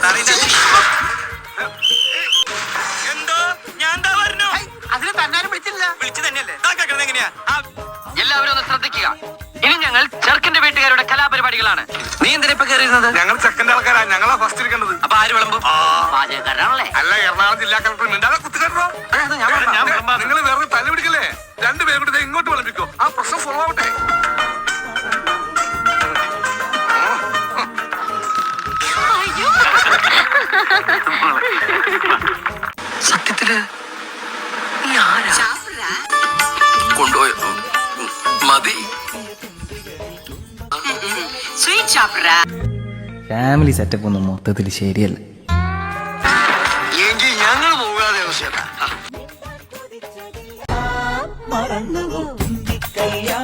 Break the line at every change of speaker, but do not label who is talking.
എന്തോ ഞാൻ എന്താ പറഞ്ഞു?
അതിന് തന്നാരും വിളിച്ചില്ല.
വിളിച്ചു തന്നെയല്ലേ? എങ്ങനെയാ?
എല്ലാവരും ഒന്ന് ശ്രദ്ധിക്കുക. ഇനി ഞങ്ങൾ ചെറുക്കന്റെ വീട്ടുകാരുടെ കലാപരിപാടികളാണ്. നീ എന്തിനാ ഇപ്പൊ കയറിയിരുന്നത്?
ഞങ്ങൾ ചെക്കന്റെ ആൾക്കാരാ, ഞങ്ങളാ ഫസ്റ്റ് ഇരിക്കേണ്ടത്.
അപ്പൊ ആര് വിളമ്പും? പാചകക്കാരാണല്ലേ?
അല്ല, എറണാകുളം ജില്ലാ കളക്ടർ മിണ്ടാതെ കുത്തിക്കട്ടോ. നിങ്ങൾ വേറെ തല പിടിക്കല്ലേ? രണ്ടുപേരും കൂടി ഇങ്ങോട്ട് വിളമ്പിക്കോ. ആ പ്രശ്നം സോൾവ് ആവട്ടെ.
സത്യത്തില് കൊണ്ടുപോയോ? മതി.
ഫാമിലി സെറ്റപ്പ് ഒന്നും മൊത്തത്തിൽ ശരിയല്ല.
എങ്കിൽ ഞങ്ങൾ പോകാതെ
മറന്നു